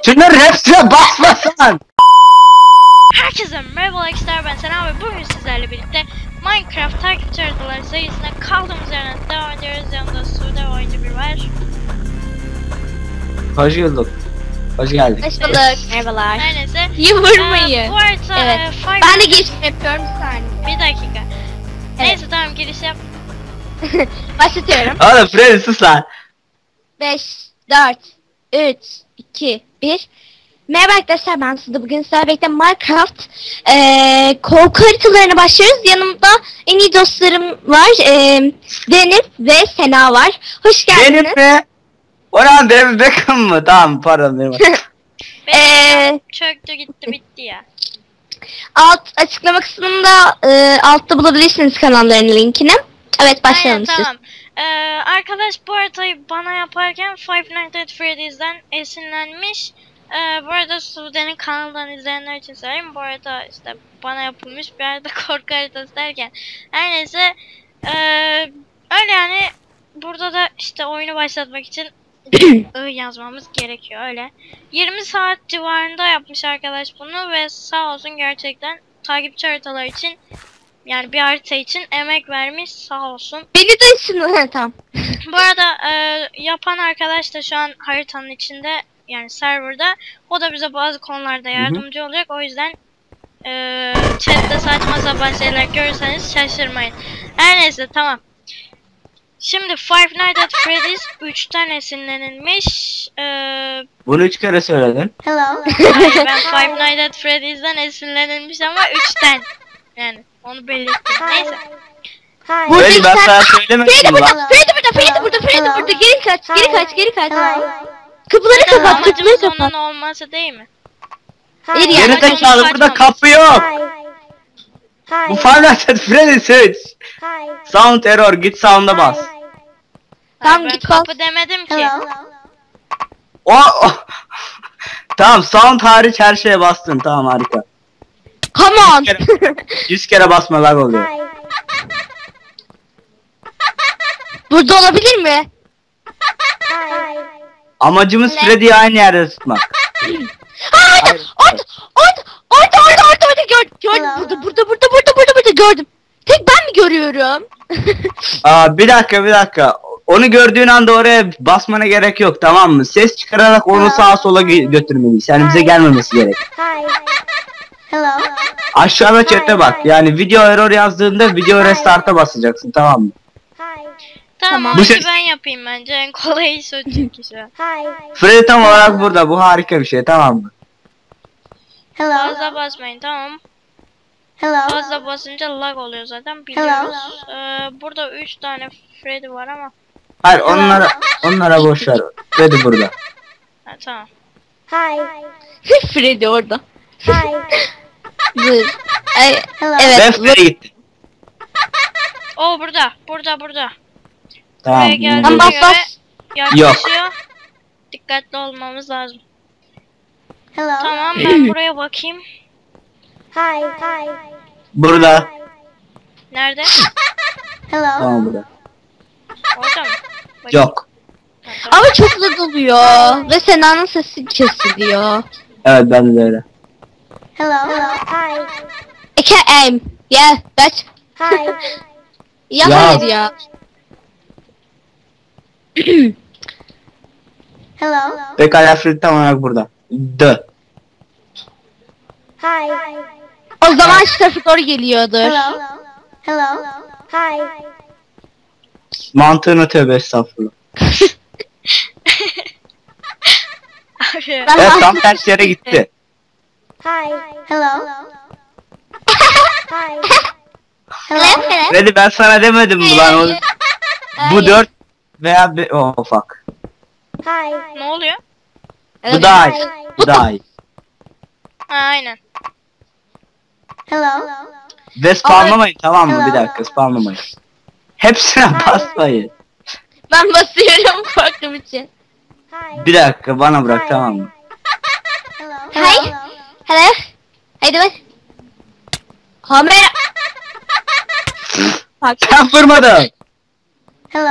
Şunların hepsine basmasan. Herkese merhaba arkadaşlar, ben Sena ve bugün sizlerle birlikte Minecraft takipçi haritaları serisine kaldığımız yerden devam ediyoruz. Yanımda Sude oyuncu bir var. Hoş bulduk. Hoş geldik. Hoş bulduk. Merhabalar. Her neyse. Yıvırmayı. Bu harita Evet. Ben de giriş yapıyorum bir saniye. Bir dakika. Neyse tamam, giriş yap. Başlatıyorum. Oğlum Freddy sus lan. 5, 4, 3, 2, 1. Merhaba arkadaşlar, ben Sude. Bugün sizlerle birlikte Minecraft korku haritalarına başlıyoruz. Yanımda en iyi dostlarım var. Deniz ve Sena var. Hoş geldiniz. Benim mi? Orhan David Beckham mı? Tamam pardon benim. Benim çöktü gitti bitti ya. Açıklama kısmında altta bulabilirsiniz kanallarının linkini. Evet, başlayalım. Aynen, tamam. Arkadaş bu haritayı bana yaparken Five Nights at Freddy's'den esinlenmiş. Bu arada Sude'nin kanalından izleyenler için söyleyeyim. Bu arada işte bana yapılmış bir arada korku haritası derken. Her neyse. Öyle yani. Burada da işte oyunu başlatmak için yazmamız gerekiyor öyle. 20 saat civarında yapmış arkadaş bunu ve sağ olsun gerçekten takipçi haritalar için, yani bir harita için emek vermiş, sağ olsun. Beni de ışınlı. Tamam. Bu arada yapan arkadaş da şu an haritanın içinde, yani serverda. O da bize bazı konularda yardımcı olacak. O yüzden chatte saçma sapan şeyler görürseniz şaşırmayın. Her neyse tamam. Şimdi Five Nights at Freddy's 3'ten esinlenilmiş. Bunu 3 kere söyledin. Hello. Hayır, ben Five Nights at Freddy's'den esinlenilmiş ama 3'ten. Yani onu belirttim. Neyse. Böyle ben sana söylemedim Freddy mi lan? burada, Freddy burada. Geri kaç. Kapıları kapat, Amacımız kapıları kapat. onun olması değil mi? Hayır Geri ya. zekalı burada kapı yok. Bu Five Nights at Freddy seç. Sound error, git sound'a bas. Tamam, Ben git kapı demedim ki. O. Tamam, sound hariç her şeye bastın, tamam harika. Come on. 100 kere basma lag oluyor. Burada olabilir mi? Amacımız Freddy'yi aynı yerde tutmak. Orada gördüm. Burada gördüm. Tek ben mi görüyorum? Aa, bir dakika. Onu gördüğün anda oraya basmana gerek yok, tamam mı? Ses çıkararak onu sağa sola götürmeliyiz. Yani bize gelmemesi gerek. Aşağıda chat'e bak. Yani video error yazdığında video restart'a basacaksın, tamam mı? Tamam, Bu bu ses- ben yapayım bence. En kolay iş o çünkü şu an. Freddy tam olarak burada. Bu harika bir şey, tamam mı? Fazla basmayın, tamam. Fazla basınca lag oluyor zaten, biliyoruz. Burada 3 tane Freddy var ama. Hayır, onlara boş ver. Freddy burada. Ha, tamam. Freddy orada. Dur. Ben Evet. Freddy gitti. O burada. Buraya Tamam. geldiğine Tamam, bas, göre bas. yaklaşıyor. Dikkatli olmamız lazım. Tamam, ben buraya bakayım. Burada. Nerede? Tamam burada. Orada mı? Bakayım. Yok. Ha, tamam. Ama çok lag oluyor. Ve Sena'nın sesi kesiliyor. Evet, ben de öyle. I can't aim. Yeah, that's... Ya Ya. hayır ya. Pekala, Freddy tam olarak burada. O zaman şu tarafa doğru geliyordur. Mantığını tövbe estağfurullah. Abi. Ben Evet, tam ters yere gitti. Freddy, ben sana demedim mi lan oğlum? Bu 4 veya oh fuck. Ne oluyor? Bu daha iyi. Bu daha iyi. Ha, aynen. Ve spamlamayın, tamam mı? Bir dakika, spamlamayın. Hepsine basmayın. Ben basıyorum korktuğum için. Bir dakika, bana bırak, tamam mı? Hi. Hello. How you doing? Kamera. Sen vurmadın.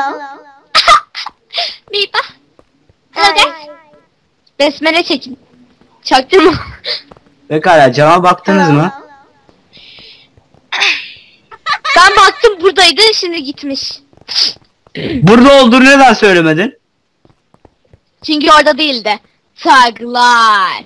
Merhaba. Hello guys. Besmele çekin. Çaktırma. Pekala cama baktınız mı? Ben baktım buradaydı, şimdi gitmiş. Burada olduğunu neden söylemedin? Çünkü orada değildi. Saygılar.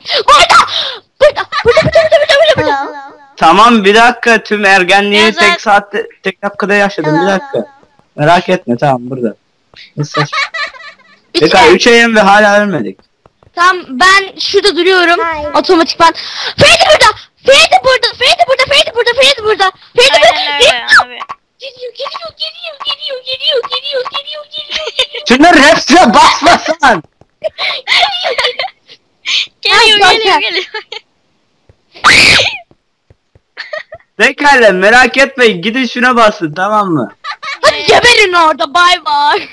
Burada. Tamam bir dakika, tüm ergenliği Ya tek saatte, tek dakikada yaşadım, bir dakika. Merak etme, tamam burada. Nasıl? Pekala 3 ayım ve hala ölmedik. Tamam, ben şurada duruyorum. Otomatikman. Ferdi burada. Ferdi burada. Ferdi burada. Ferdi burada. Ferdi burada. Ferdi Aynen öyle abi. Geliyor. Şunların hepsine basmasan. Geliyor. Pekala merak etmeyin, gidin şuna basın, tamam mı? Hadi geberin orada, bay bay.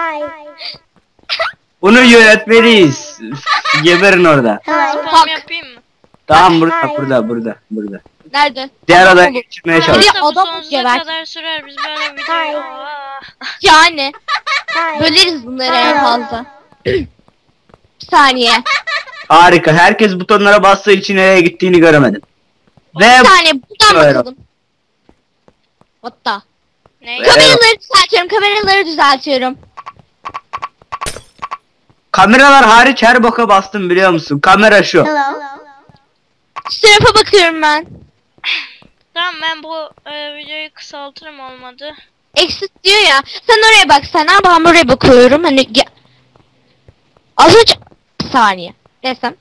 Bunu yönetmeliyiz. Geberin orada. Spam yapayım mı? Tamam burada. Nerede? Diğer Adam adaya olur. geçirmeye Biri çalış. Yoksa bu adam sonsuza geber. kadar sürer, biz böyle videoyu. Aa. Yani. Böleriz bunları en fazla. Bir saniye. Harika, herkes butonlara bastığı için nereye gittiğini göremedim. Ve Bir saniye, buradan Böyle. bakalım. Hatta. Ne? Evet. Kameraları düzeltiyorum. kameralar hariç her boka bastım, biliyor musun? Kamera şu. Şu tarafa bakıyorum ben. Tamam, ben bu videoyu kısaltırım, olmadı. Exit diyor ya. Sen oraya baksana, ben buraya bakıyorum. Hani az önce... Bir saniye. Desem.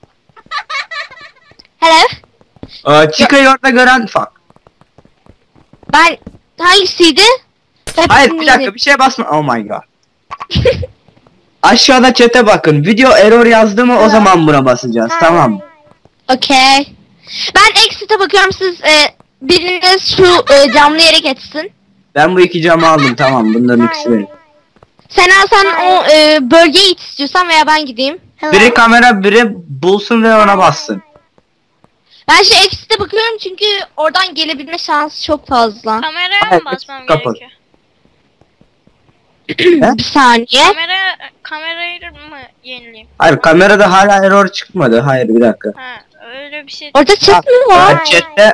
Hello. Chico'yu orada gören fuck. Ben hangisiydi? Hayır bir dakika, bir şeye basma. Oh my god. Aşağıda chat'e bakın. Video error yazdı mı o zaman buna basacağız, tamam mı? Okey. Ben exit'e bakıyorum, siz biriniz şu camlı yere geçsin. Ben bu iki camı aldım, tamam, bunların ikisi benim. Sen o bölgeye git istiyorsan veya ben gideyim. Biri kamera, biri bulsun ve ona bassın. Ben şu exit'e bakıyorum çünkü oradan gelebilme şansı çok fazla. Kameraya Hayır, mı basmam kapat. gerekiyor? Bir saniye. Kamerayı mı yenileyim? Hayır, kamerada hala error çıkmadı. Hayır bir dakika. Ha, öyle bir şey. Orada chat mi var? Chat'te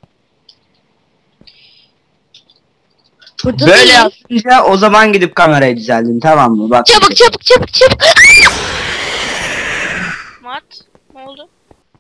Burada böyle değil. yapınca o zaman gidip kamerayı düzeltin, tamam mı? Bak. Çabuk. Mat. Ne oldu?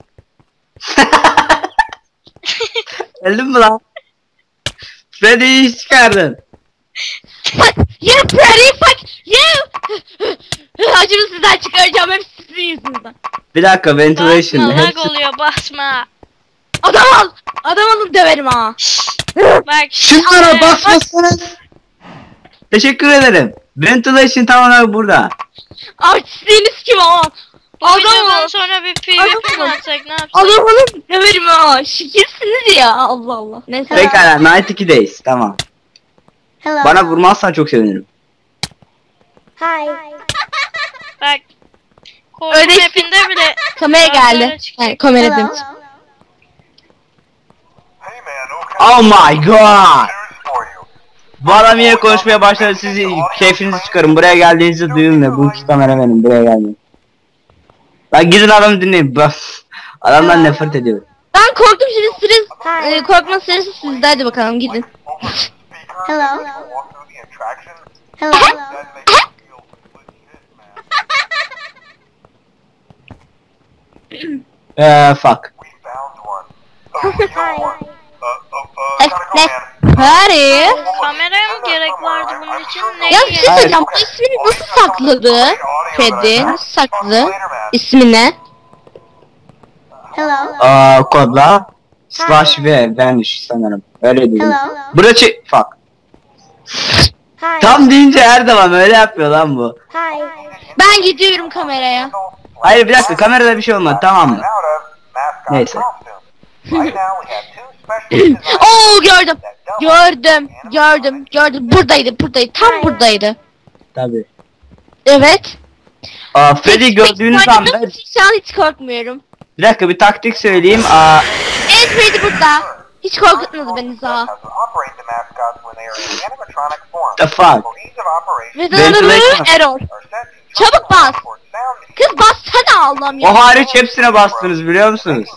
Geldin mi lan? Freddy'yi iş çıkardın. Fuck you pretty fuck you. Acımı sizden çıkaracağım, hep sizin yüzünüzden. Bir dakika, ventilation. Basma, lag Hepsi... oluyor, basma. Adam alın döverim ha. Bak. Şunlara basmasınız. Teşekkür ederim. Ventilation tam olarak burada. Artistliğiniz kim ama? Bu videodan sonra bir PvP mi atsak, ne yapsak? Adam alın döverim ha. Şikirsiniz ya, Allah Allah. Neyse. Pekala, Night 2'deyiz, tamam. Bana vurmazsan çok sevinirim. Bak. Korku Öyle- map'inde bile Kamera geldi. Kamera çıktı. Yani kamera demiş. Oh my god. Bu adam yine konuşmaya başladı, siz keyfinizi çıkarın. Buraya geldiğinizi duyun ve bu iki kamera benim, buraya gelmeyin. Lan gidin adamı dinleyin. Adamdan nefret ediyorum. Ben korktum, şimdi korkma sırası sizde, hadi bakalım gidin. Fuck. Hadi. kameraya mı gerek vardı bunun için? Ne Ya bir şey söyleyeceğim, bu ismini nasıl sakladı? Freddy nasıl sakladı? İsmi ne? Kodla slash v vanish sanırım. Öyle dedim. Burası fuck. Tam deyince her zaman öyle yapıyor lan bu. Ben gidiyorum kameraya. Hayır bir dakika, kamerada bir şey olmadı, tamam mı? Neyse. Oo, gördüm. Buradaydı. Tam buradaydı. Tabii. Evet. Freddy gördüğünüz anda Şu an hiç korkmuyorum. bir dakika, bir taktik söyleyeyim. Evet, Freddy burada. Hiç korkutmadı beni daha. The fuck. Ve error. Çabuk bas. Kız bassana Allah'ım ya. O hariç hepsine bastınız biliyor musunuz?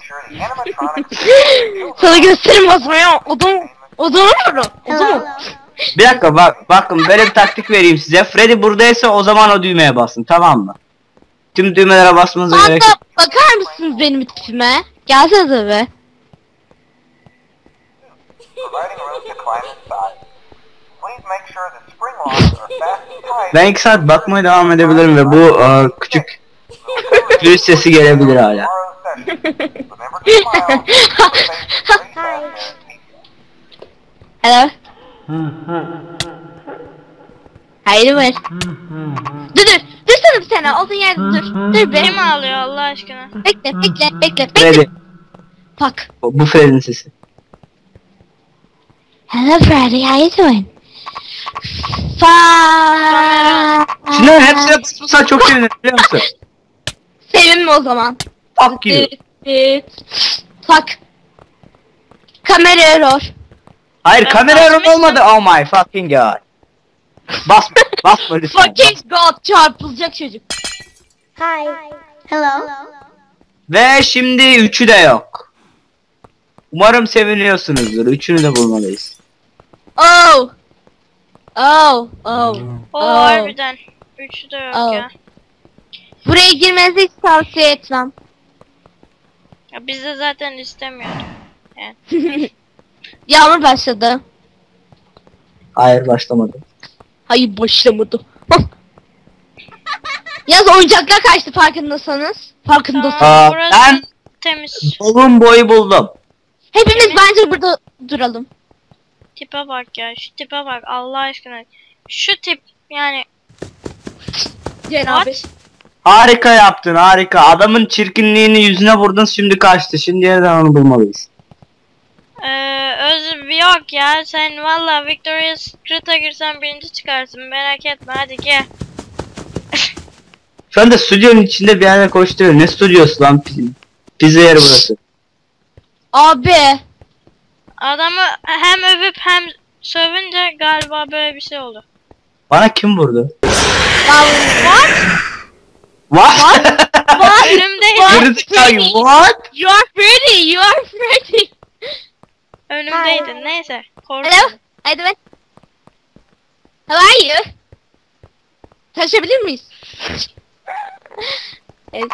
Sana gösterim basmayı. Odun vurur. Odun. Bir dakika bakın böyle bir taktik vereyim size. Freddy buradaysa o zaman o düğmeye basın, tamam mı? Tüm düğmelere basmanıza gerek yok. Hatta bakar mısınız benim tipime? Gelsenize be. Ben 2 saat bakmaya devam edebilirim ve bu küçük virüs sesi gelebilir hala. Hello. Hayır var. Dur. Dursana bir sene. Olduğun yerde dur. Dur be. Kim ağlıyor Allah aşkına? Bekle. Freddy. Bak. Bu Freddy'nin sesi. Hello Freddy, how you doing? Şunların hepsine basmışsan çok sevinirim biliyor musun? Sevinme o zaman. Fuck you. Fuck. Kamera error. Hayır, Ben kamera error basmıştım. olmadı. Oh my fucking god. Basma lütfen. Fucking god, çarpılacak çocuk. Hi. Hello. Ve şimdi üçü de yok. Umarım seviniyorsunuzdur. Üçünü de bulmalıyız. Oh. O harbiden. Üçü de yok Oh. ya. Buraya girmenizi hiç tavsiye etmem. Ya biz de zaten istemiyorduk. Yağmur başladı. Hayır, başlamadı. Hayır başlamadı. Yaz oyuncaklar kaçtı farkındasınız. Farkındasınız. Aa, Burası ben temiz. Dolun boyu buldum. Hepimiz bence burada duralım. Tipe bak ya. Şu tipe bak Allah aşkına. Şu tip yani. Ceren abi. What? Harika yaptın, harika. Adamın çirkinliğini yüzüne vurdun, şimdi kaçtı. Şimdi yerden onu bulmalıyız. Yok ya sen valla Victoria's Secret'a girsen birinci çıkarsın merak etme hadi gel. Şu anda stüdyonun içinde bir yerde koşturuyor. Ne stüdyosu lan? Pizza yeri burası. Abi. Adamı hem övüp hem sövünce galiba böyle bir şey oldu. Bana kim vurdu? What? What? Önümdeydi. Gerizekalı, what? You are Freddy. Önümdeydi neyse. Hello. Korktum. Hadi ben. How are you? Taşabilir miyiz? Evet.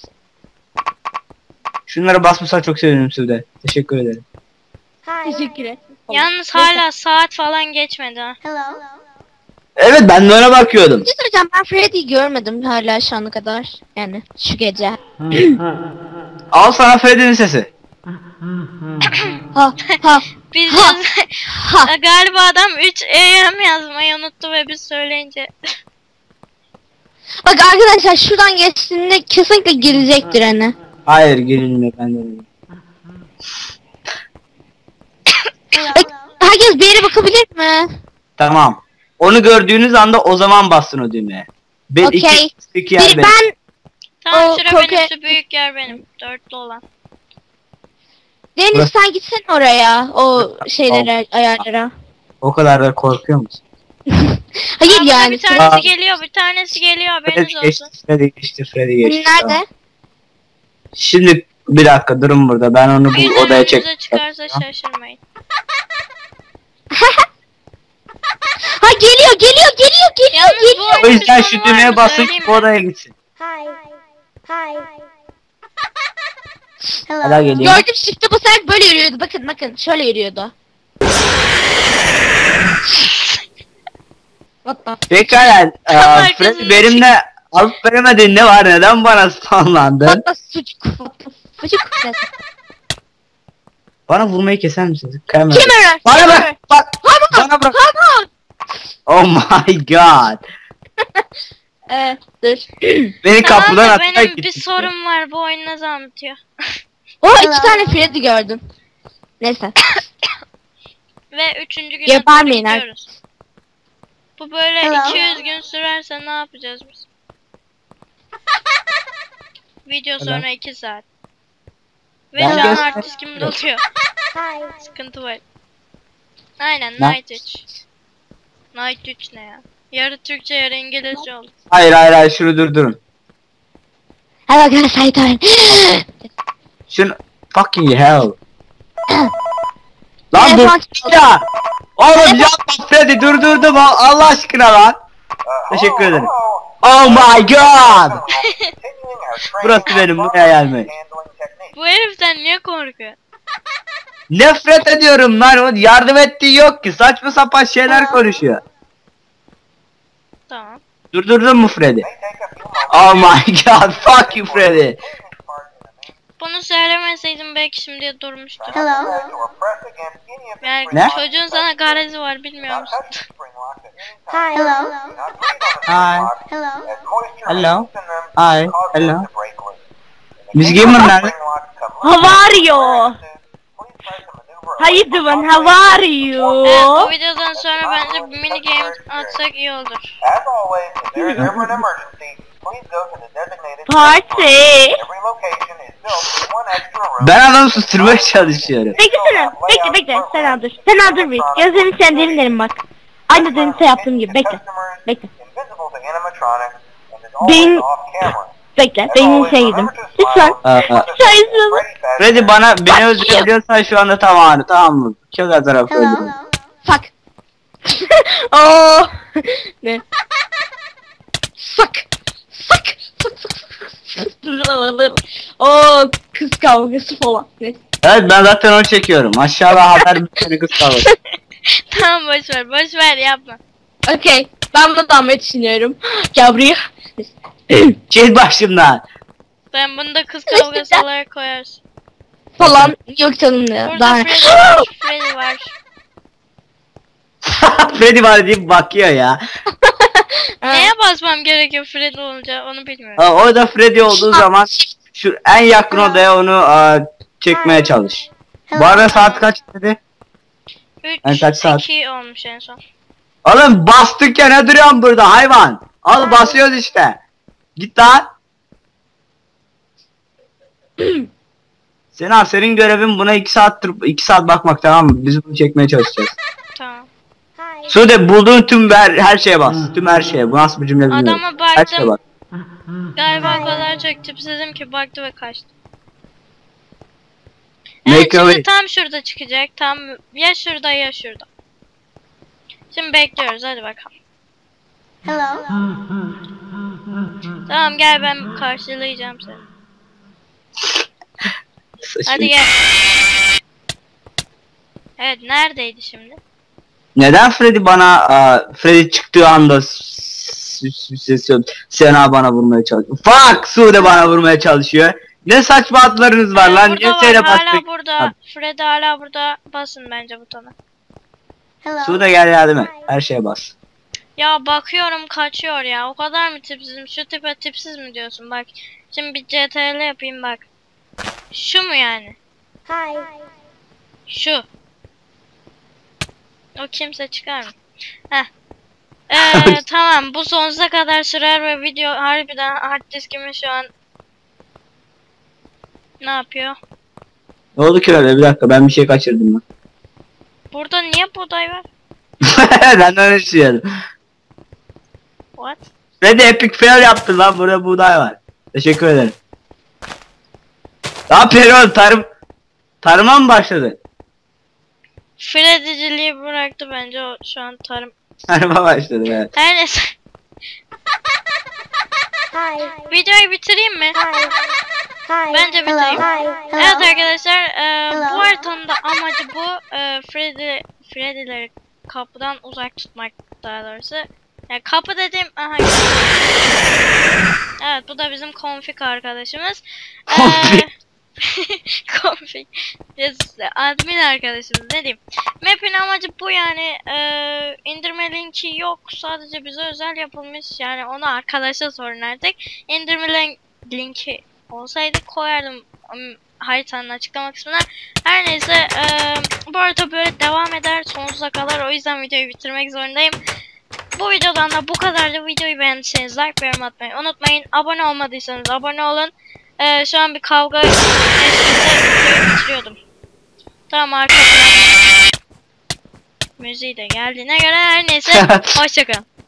Şunlara basmasan çok sevinirim Sude. Teşekkür ederim. Hi. Teşekkür ederim. Yalnız hala saat falan geçmedi ha. Hello. Evet, ben de ona bakıyordum. Bir şey söyleyeceğim, ben Freddy'yi görmedim hala şu ana kadar. Yani şu gece. Al sana Freddy'nin sesi. Ha. Biz Ha. Ha. galiba adam 3 AM yazmayı unuttu ve biz söyleyince. Bak arkadaşlar şuradan geçtiğinde kesinlikle girecektir hani. Hayır, gelinmiyor, ben de öyle. Bak, herkes bir yere bakabilir mi? Tamam. Onu gördüğünüz anda o zaman basın o düğmeye. Ben Okey. iki yer benim. Ben Tamam O şura korku- benim şu büyük yer benim. Dörtlü olan. Deniz Burası- sen gitsene oraya o şeylere ayarlara. O kadar da korkuyor musun? Hayır Aa, burada yani. bir tanesi geliyor, bir tanesi geliyor haberiniz Freddy geçti, olsun. Freddy geçti, Freddy geçti. Nerede? Tamam. Şimdi bir dakika durun burada. Ben onu bu Birden odaya önünüze çek. çıkarsa şaşırmayın. Ha geliyor. Yalnız bu O oyunun yüzden bir şu sonu düğmeye vardı, basın söyleyeyim ki bu mi? odaya gitsin. Hi. Hi. Hala Hello. geliyor. Gördüm shift'e basarak böyle yürüyordu. Bakın şöyle yürüyordu. What the Pekala, Arkasında Freddy benimle alıp veremediğin ne var, neden bana spamlandın? What the sucuk. Sucuk. Bana vurmayı keser misiniz? Kamera. Kimera. Bana bırak, bak, bana bırak. Oh my god. Dur. Beni Tamam kapıdan da atarak benim bir gitti. sorum var bu oyun nasıl anlatıyor? O iki tane Freddy gördüm. Neyse. Ve 3. güne Yapar doğru mıyım? gidiyoruz. Bu böyle Hello. 200 gün sürerse ne yapacağız biz? Video sonra 2 saat. Ve Ben şu an göster- hard diskim doluyor. Hi. Sıkıntı var. Aynen Ne? Night 3. Night 3 ne ya? Yarı Türkçe yarı İngilizce oldu. Hayır, şunu durdurun. Hello guys, how you doing? Şunu fucking hell. Lan Telefon dur ya. Oğlum yapma Freddy durdurdum Allah aşkına lan. Teşekkür ederim. Oh my god. Burası benim buraya gelme. Bu heriften niye korkuyor? Nefret ediyorum lan o yardım ettiği yok ki saçma sapan şeyler konuşuyor. Tamam. Durdurdun mu Freddy? Oh my god fuck you Freddy. Bunu söylemeseydim belki şimdiye durmuştu. Hello. Yani Ne? çocuğun sana garezi var bilmiyor musun? Hi. Hello. Hi. Hello. Hello. Hi. Hello. Miss Gamer nerede? How are you? How you doing? How are you? Evet, bu videodan sonra bence bir mini game atsak iyi olur. As always, if there is ever an emergency, please go to the designated Party. Every location is built with one extra room. Ben adamı susturmaya çalışıyorum. Beklesene. Bekle. Sen dur. Sen dur bir. Gözlerini sendirin bak. Aynı dönüşte yaptığım gibi. Bekle. Bekle. Invisible to animatronics and is Benim- always off camera. Bekle. Benim şey yedim. Lütfen. Sayısın. Freddy beni öldürebiliyorsan şu anda tamam mı? Çok az tarafı Hello. öldürüm. Fuck. Oh. Ne? Fuck. Oh, kız kavgası falan. Ne? Evet ben zaten onu çekiyorum. Aşağıda haber bülteni kız kalır. Tamam boş ver yapma. Okay. Ben bunu almayı düşünüyorum. Gel buraya. Çek başımdan. Ben bunu da kız kavgası olarak koyarsın. Falan. Yok canım ya. Burada Daha... Freddy var. Freddy var deyip bakıyor ya. Neye basmam gerekiyor Freddy olunca onu bilmiyorum. Orada Freddy olduğu zaman şu en yakın odaya onu çekmeye çalış. Bu arada saat kaç dedi? 3, Yani kaç saat? 2 olmuş en son. Oğlum bastık ya ne duruyorsun burada hayvan? Al basıyoruz işte. Git lan. Senin görevin buna 2 saat bakmak tamam mı? Biz bunu çekmeye çalışacağız. Tamam. Hi. Sude bulduğun tüm her şeye bas. Tüm her şeye. Bu nasıl bir cümle bilmiyorum. Adama Her şeye baktım. bas. Galiba o kadar çok tipsizim ki baktı ve kaçtı. Make Evet a şimdi way. tam şurada çıkacak. Tam ya şurada ya şurada. Şimdi bekliyoruz hadi bakalım. Hello. Tamam gel ben karşılayacağım seni. Hadi gel. Evet neredeydi şimdi? Neden Freddy Freddy çıktığı anda Sena bana vurmaya çalışıyor. Fuck! Sude bana vurmaya çalışıyor. Ne saçma atlarınız var lan. Burada Niye var, şeyle hala bastık? burada. Freddy hala burada. Basın bence butona. Hello. Sude gel yardım et. Her şeye bas. Ya bakıyorum kaçıyor ya. O kadar mı tipsizim? Şu tipe tipsiz mi diyorsun? Bak. Şimdi bir CTRL yapayım bak. Şu mu yani? Hi. Şu. O kimse çıkar mı? Heh. Tamam bu sonsuza kadar sürer ve video harbiden hard diskimi şu an ne yapıyor? Ne oldu ki öyle? Bir dakika ben bir şey kaçırdım lan. Burada niye buğday var? Ben de öyle düşünüyordum. What? Freddy epic fail yaptı lan. Burada buğday var. Teşekkür ederim. Ne yapıyorsun oğlum? Tarıma mı başladı? Freddy'ciliği bıraktı bence o şu an tarım. Tarıma başladı evet. Her neyse. Hi. Videoyu bitireyim mi? Hi. Hi. Bence Hello. bitireyim. Hi. Evet Hello. arkadaşlar Hello. bu haritanın da amacı bu. Freddy'leri kapıdan uzak tutmak daha doğrusu. Yani kapı dediğim aha. Evet bu da bizim config arkadaşımız. Config. Config. Admin arkadaşımız ne diyeyim. Map'in amacı bu yani. İndirme linki yok. Sadece bize özel yapılmış. Yani onu arkadaşa sorun artık. İndirme linki olsaydı koyardım haritanın açıklama kısmına. Her neyse bu arada böyle devam eder sonsuza kadar. O yüzden videoyu bitirmek zorundayım. Bu videodan da bu kadardı. Videoyu beğendiyseniz like ve yorum atmayı unutmayın. Abone olmadıysanız abone olun. Şu an bir kavga eşliğinde videoyu bitiriyordum. Tamam arkadaşlar. Müziği de geldiğine göre her neyse. Hoşçakalın.